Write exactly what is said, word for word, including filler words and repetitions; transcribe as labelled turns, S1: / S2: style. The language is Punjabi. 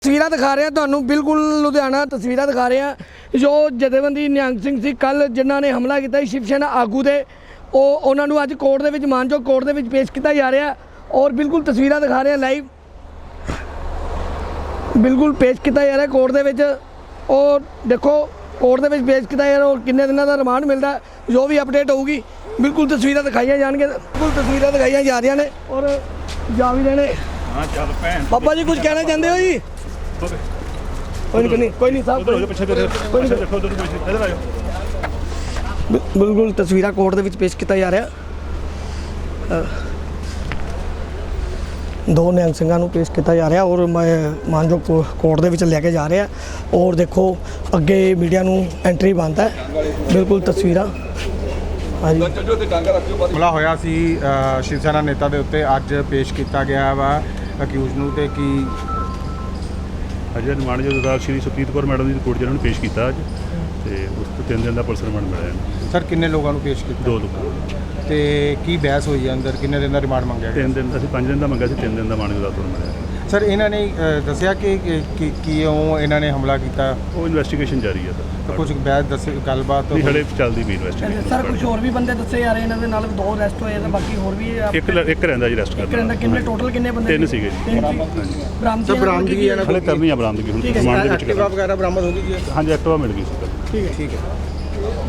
S1: तस्वीर दिखा रहे हैं ਤੁਹਾਨੂੰ बिल्कुल लुधियाना तस्वीर दिखा रहे हैं जो जथेबंदी निहंग सिंह सी कल जिन्होंने हमला किया शिव सेना आगू दे ਉਹ ਉਹਨਾਂ ਨੂੰ ਅੱਜ ਕੋਰਟ ਦੇ ਵਿੱਚ ਮਾਨਯੋਗ ਕੋਰਟ ਦੇ ਵਿੱਚ ਪੇਸ਼ ਕੀਤਾ ਜਾ ਰਿਹਾ ਔਰ ਬਿਲਕੁਲ ਤਸਵੀਰਾਂ ਦਿਖਾ ਰਹੇ ਹਾਂ ਲਾਈਵ ਬਿਲकुल ਪੇਸ਼ ਕੀਤਾ ਜਾ ਰਿਹਾ ਕੋਰਟ ਦੇ ਵਿੱਚ ਔਰ ਦੇਖੋ ਕੋਰਟ ਦੇ ਵਿੱਚ ਪੇਸ਼ ਕੀਤਾ ਜਾ ਰਿਹਾ ਔਰ ਕਿੰਨੇ ਦਿਨਾਂ ਦਾ ਰਿਮਾਂਡ ਮਿਲਦਾ ਜੋ ਵੀ ਅਪਡੇਟ ਹੋਊਗੀ ਬਿਲकुल ਤਸਵੀਰਾਂ ਦਿਖਾਈਆਂ ਜਾਣਗੇ ਬਿਲकुल ਤਸਵੀਰਾਂ ਦਿਖਾਈਆਂ ਜਾ ਰਹੀਆਂ ਨੇ ਔਰ ਜਾ ਵੀ ਰਹੇ ਨੇ।
S2: ਹਾਂ ਚੱਲ ਭੈਣ
S1: ਬਾਬਾ ਜੀ ਕੁਝ ਕਹਿਣਾ ਚਾਹੁੰਦੇ ਹੋ ਜੀ? ਕੋਈ ਨਹੀਂ ਕੋਈ ਨਹੀਂ ਸਾਹਿਬ
S2: ਪਿੱਛੇ ਪਿੱਛੇ ਦੇਖੋ ਉਧਰ ਕੋਈ ਇਧਰ ਆਇਓ।
S1: ਬਿਲਕੁਲ ਤਸਵੀਰਾਂ ਕੋਰਟ ਦੇ ਵਿੱਚ ਪੇਸ਼ ਕੀਤਾ ਜਾ ਰਿਹਾ ਦੋ ਨਿਹੰਗ ਸਿੰਘਾਂ ਨੂੰ ਪੇਸ਼ ਕੀਤਾ ਜਾ ਰਿਹਾ ਔਰ ਮੈਂ ਮਾਨਯੋਗ ਕੋਰਟ ਦੇ ਵਿੱਚ ਲੈ ਕੇ ਜਾ ਰਿਹਾ ਔਰ ਦੇਖੋ ਅੱਗੇ ਮੀਡੀਆ ਨੂੰ ਐਂਟਰੀ ਬੰਦ ਹੈ। ਬਿਲਕੁਲ ਤਸਵੀਰਾਂ ਹਾਂਜੀ
S3: ਹਮਲਾ ਹੋਇਆ ਸੀ ਸ਼ਿਵ ਸੈਨਾ ਨੇਤਾ ਦੇ ਉੱਤੇ ਅੱਜ ਪੇਸ਼ ਕੀਤਾ ਗਿਆ ਵਾ ਅਕਿਊਜ਼ ਨੂੰ ਤੇ ਕੀ
S2: ਅਜੇ ਰਿਮਾਂਡ ਜੋ ਅਦਾਲਤ ਸ਼੍ਰੀ ਸੁਪਰੀਤ ਕੌਰ ਮੈਡਮ ਦੀ ਕੋਰਟ ਜਿਹਨਾਂ ਨੂੰ ਪੇਸ਼ ਕੀਤਾ ਅੱਜ ਤੇ ਉਸ ਤੋਂ ਤਿੰਨ ਦਿਨ ਦਾ ਪੁਲਿਸ ਰਿਮਾਂਡ ਮਿਲਿਆ।
S3: ਸਰ ਕਿੰਨੇ ਲੋਕਾਂ ਨੂੰ ਪੇਸ਼ ਕੀਤਾ?
S2: ਦੋ ਲੋਕਾਂ
S3: ਤੇ ਕੀ ਬਹਿਸ ਹੋਈ ਹੈ ਅੰਦਰ ਕਿੰਨੇ ਦਿਨ ਦਾ ਰਿਮਾਂਡ ਮੰਗਿਆ ਗਿਆ?
S2: ਤਿੰਨ ਦਿਨ ਅਸੀਂ ਪੰਜ ਦਿਨ ਦਾ ਮੰਗਿਆ ਸੀ ਤਿੰਨ ਦਿਨ ਦਾ ਮਾਨਯੋਗ ਅਦਾਲਤ ਨੂੰ ਮਿਲਿਆ।
S3: ਸਰ ਇਹਨਾਂ ਨੇ ਦੱਸਿਆ ਕਿ ਕਿਉਂ ਇਹਨਾਂ ਨੇ ਹਮਲਾ ਕੀਤਾ?
S2: ਉਹ ਇਨਵੈਸਟੀਗੇਸ਼ਨ ਜਾਰੀ ਹੈ
S3: ਤਾਂ ਕੁਝ ਬਹਿਸ ਦੱਸੇ ਗੱਲਬਾਤ
S2: ਨਹੀਂ ਹਲੇ ਚੱਲਦੀ ਵੀ ਇਨਵੈਸਟੀਗੇਸ਼ਨ।
S1: ਸਰ ਕੁਝ ਹੋਰ ਵੀ ਬੰਦੇ ਦੱਸੇ ਜਾ ਰਹੇ ਇਹਨਾਂ ਦੇ ਨਾਲ ਦੋ ਅਰੈਸਟ ਹੋਏ ਤੇ ਬਾਕੀ ਹੋਰ ਵੀ
S2: ਇੱਕ ਇੱਕ ਰਹਿੰਦਾ ਜੀ ਰੈਸਟ
S1: ਇੱਕ ਰਹਿੰਦਾ ਕਿੰਨੇ ਟੋਟਲ ਕਿੰਨੇ ਬੰਦੇ?
S2: ਤਿੰਨ ਸੀਗੇ ਜੀ।
S1: ਬਰਾਮਦ
S3: ਸਰ ਬਰਾਮਦਗੀ
S2: ਹਲੇ ਕਰਨੀ ਆ ਬਰਾਮਦਗੀ ਹੁਣ ਰਿਮਾਂਡ ਦੇ ਵਿੱਚ
S3: ਐਕਟਿਵਾ ਵਗੈਰਾ ਬਰਾਮਦ ਹੋ ਗਈ ਜੀ?
S2: ਹਾਂਜੀ ਐਕਟਿਵਾ ਮਿਲ ਗਈ ਸੀ।
S3: ਠੀਕ ਹੈ ਠੀਕ ਹੈ।